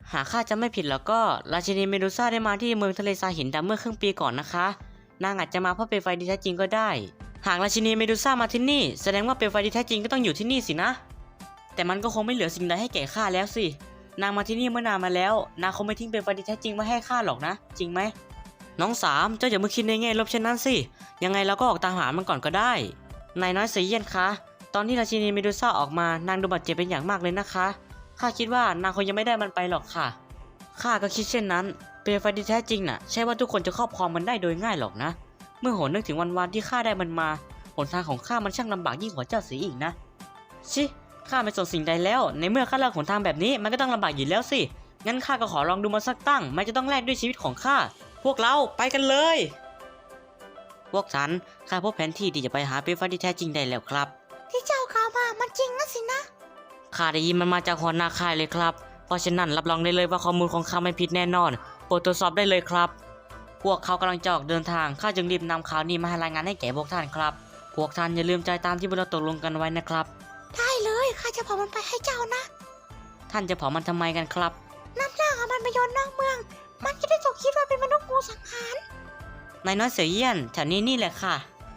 หากข้าจะไม่ผิดแล้วก็ราชินีเมดูซ่าได้มาที่เมืองทะเลทรายหินดำเมื่อครึ่งปีก่อนนะคะนางอาจจะมาเพราะเปลวไฟที่แท้จริงก็ได้หากราชินีเมดูซ่ามาที่นี่แสดงว่าเปลวไฟที่แท้จริงก็ต้องอยู่ที่นี่สินะแต่มันก็คงไม่เหลือสิ่งใดให้แก่ข้าแล้วสินางมาที่นี่เมื่อนานมาแล้วนางคงไม่ทิ้งเปลวไฟที่แท้จริงไว้ให้ข้าหรอกนะจริงไหมน้องสามเจ้าอย่ามาคิดในแง่ลบเช่นนั้นสิยังไงเราก็ออกตามหามันก่อนก็ได้นายน้อยเสียเยี่ยนคะตอนที่ราชินีเมดูซ่าออกมานางดูบาดเจ็บเป็นอย่างมากเลยนะคะข้าคิดว่านางคงยังไม่ได้มันไปหรอกค่ะข้าก็คิดเช่นนั้นเปลวไฟที่แท้จริงน่ะใช่ว่าทุกคนจะครอบครองมันได้โดยง่ายหรอกนะเมื่อโหนึกถึงวันที่ข้าได้มันมาหนทางของข้ามันช่างลำบากยิ่งกว่าเจ้าเสียอีกนะชิข้าไม่สนสิ่งใดแล้วในเมื่อข้าเลือกหนทางแบบนี้มันก็ต้องลำบากอยู่แล้วสิงั้นข้าก็ขอลองดูมันสักตั้งมันจะต้องแลกด้วยชีวิตของข้าพวกเราไปกันเลยพวกฉันข้าพบแผนที่ที่จะไปหาเปลวไฟที่แท้จริงได้แล้วครับที่เจ้าข่าวมามันจริงนะสินะข้าได้ยินมันมาจากหัวหน้าค่ายเลยครับเพราะฉะนั้นรับรองได้เลยว่าข้อมูลของข้าไม่ผิดแน่นอนโปรดตรวจสอบได้เลยครับพวกเขากำลังจะออกเดินทางข้าจึงรีบนำข่าวนี้มาให้รายงานให้แก่พวกท่านครับพวกท่านอย่าลืมใจตามที่พวกเราตกลงกันไว้นะครับได้เลยข้าจะเผามันไปให้เจ้านะท่านจะเผามันทำไมกันครับนำร่างของมันไปโยนนอกเมืองมันจะได้ถูกคิดว่าเป็นมนุษย์งูสังหารนายน้อยเสือเยี่ยนแถวนี้นี่แหละค่ะ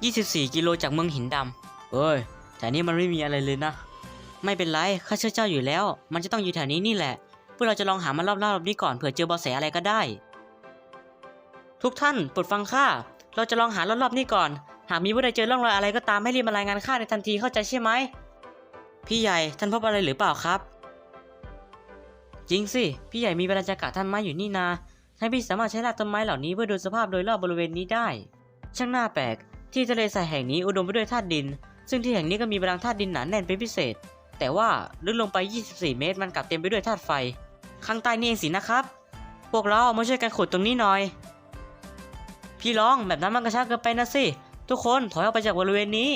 24 กิโลจากเมืองหินดำเอ้ยแถวนี้มันไม่มีอะไรเลยนะไม่เป็นไรข้าเชื่อเจ้าอยู่แล้วมันจะต้องอยู่แถวนี้นี่แหละพวกเราจะลองหามันรอบๆนี้ก่อนเผื่อเจอเบาะแสอะไรก็ได้ทุกท่านโปรดฟังข้าเราจะลองหารอบๆนี้ก่อนหากมีผู้ใดเจอร่องรอยอะไรก็ตามให้รีบมารายงานข้าในทันทีเข้าใจใช่ไหมพี่ใหญ่ท่านพบอะไรหรือเปล่าครับจริงสิพี่ใหญ่มีเวลาจะกัดท่านไม้อยู่นี่นาให้พี่สามารถใช้รากต้นไม้เหล่านี้เพื่อดูสภาพโดยรอบบริเวณนี้ได้ช่างน่าแปลกที่ทะเลทรายแห่งนี้อุดมไปด้วยธาตุดินซึ่งที่แห่งนี้ก็มีพลังธาตุดินหนาแน่นเป็นพิเศษแต่ว่าลึกลงไป24 เมตรมันกลับเต็มไปด้วยธาตุไฟข้างใต้นี่เองสินะครับพวกเรามาช่วยกันขุดตรงนี้หน่อยพี่ร้องแบบนั้นมันกระชากเกินไปนะสิทุกคนถอยออกไปจากบริเวณนี้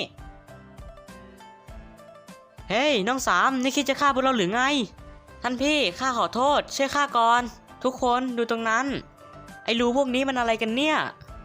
เฮ้ยน้องสามนี่คิดจะฆ่าพวกเราหรือไงท่านพี่ข้าขอโทษช่วยข้าก่อนทุกคนดูตรงนั้นไอ้รูพวกนี้มันอะไรกันเนี่ย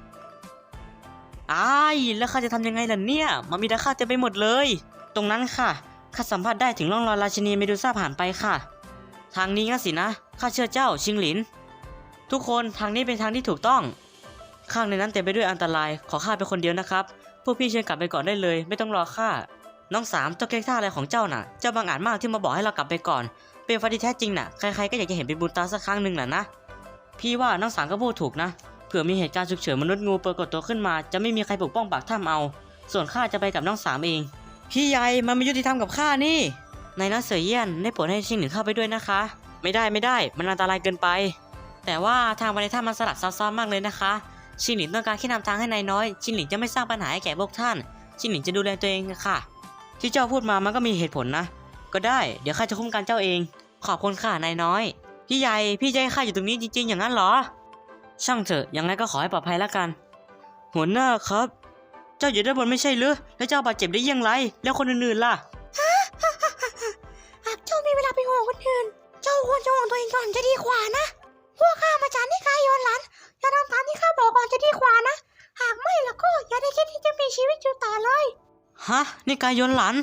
แล้วข้าจะทำยังไงล่ะเนี่ยมันมีตะขาบเต็มไปหมดเลยตรงนั้นค่ะข้าสัมผัสได้ถึงร่องรอยราชินีเมดูซ่าผ่านไปค่ะทางนี้งั้นสินะข้าเชื่อเจ้าชิงหลินทุกคนทางนี้เป็นทางที่ถูกต้องข้างในนั้นเต็มไปด้วยอันตรายขอข้าเป็นคนเดียวนะครับพวกพี่เชิญกลับไปก่อนได้เลยไม่ต้องรอข้าน้องสามเจ้าเก๊กท่าอะไรของเจ้าน่ะเจ้าบังอาจมากที่มาบอกให้เรากลับไปก่อนเป็นไฟที่แท้จริงน่ะใครๆก็อยากจะเห็นเป็นบุญตาสักครั้งหนึ่งน่ะนะพี่ว่าน้องสามก็พูดถูกนะเผื่อมีเหตุการณ์ฉุกเฉินมนุษย์งูปรากฏตัวขึ้นมาจะไม่มีใครปกป้องปากถ้ำเอาส่วนข้าจะไปกับน้องสามเองพี่ใหญ่มันไม่ยุติธรรมกับข้านี่นายน้อยเสือเยี่ยนได้โปรดให้ชิงหลินเข้าไปด้วยนะคะไม่ได้มันอันตรายเกินไปแต่ว่าทางไปในถ้ำมันสลับซับซ้อนมากเลยนะคะชิงหลินต้องการแค่นำทางให้นายน้อยชิงหลินจะไม่สร้างปัญหาให้แก่พวกท่านชิงหลินจะดูแลตัวเองค่ะที่เจ้าพูดมามันก็มีเหตุผลนะก็ได้เดี๋ยวข้าจะคุ้มกันเจ้าเองขอบคุณค่ะนายน้อยพี่ใหญ่พี่จะให้ข้าอยู่ตรงนี้จริงๆอย่างนั้นเหรอช่างเถอะยังไงก็ขอให้ปลอดภัยแล้วกันหัวหน้าครับเจ้าอยู่ด้านบนไม่ใช่หรือแล้วเจ้าบาดเจ็บได้ยังไงแล้วคนอื่นๆล่ะหากเจ้ามีเวลาไปห่วงคนอื่นเจ้าควรจะห่วงตัวเองก่อนจะดีกว่านะพวกข้ามาจากนิกายโยนหลันอย่าทำตามที่ข้าบอกก่อนจะดีกว่านะหากไม่แล้วก็อย่าได้คิดที่จะมีชีวิตอยู่ต่อเลยฮะนี่กายยนหลัน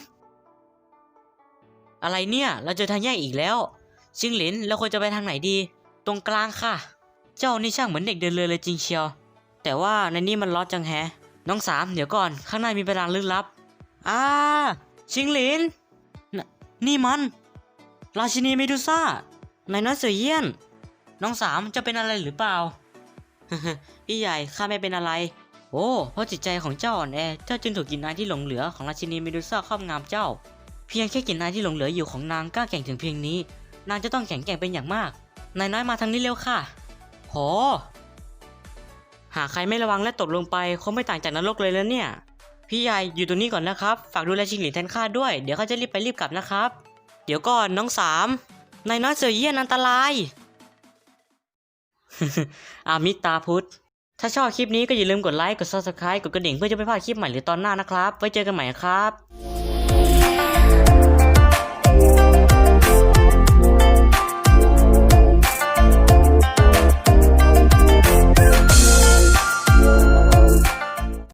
อะไรเนี่ยเราเจอทางแยกอีกแล้วชิงหลินเราควรจะไปทางไหนดีตรงกลางค่ะเจ้านี่ช่างเหมือนเด็กเดินเลยจริงเชียวแต่ว่าในนี้มันล็อตจังแฮะน้องสามเดี๋ยวก่อนข้างในมีพลังลึกลับชิงหลินนี่มันราชินีเมดูซ่านายน้อยเสือเยี่ยนน้องสามจะเป็นอะไรหรือเปล่า พี่ใหญ่ข้าไม่เป็นอะไรโอ้เพราะจิตใจของเจ้าอ่อนแอเจ้าจึงถูกกลิ่นอายที่หลงเหลือของราชินีเมดูซ่าครอบงำเจ้าเพียงแค่กลิ่นอายที่หลงเหลืออยู่ของนางกล้าแข่งถึงเพียงนี้นางจะต้องแข็งแกร่งเป็นอย่างมากนายน้อยมาทางนี้เร็วค่ะโหหากใครไม่ระวังและตกลงไปคงไม่ต่างจากนรกเลยแล้วเนี่ยพี่ใหญ่อยู่ตรงนี้ก่อนนะครับฝากดูแลชิงหลินแทนข้าด้วยเดี๋ยวข้าจะรีบไปรีบกลับนะครับเดี๋ยวก่อนน้องสามนายน้อยเสือเยี่ยนอันตราย อามิตาพุทธถ้าชอบคลิปนี้ก็อย่าลืมกดไลค์กด Subscribe กดกระดิ่งเพื่อจะไม่พลาดคลิปใหม่หรือตอนหน้านะครับไว้เจอกันใหม่ครับ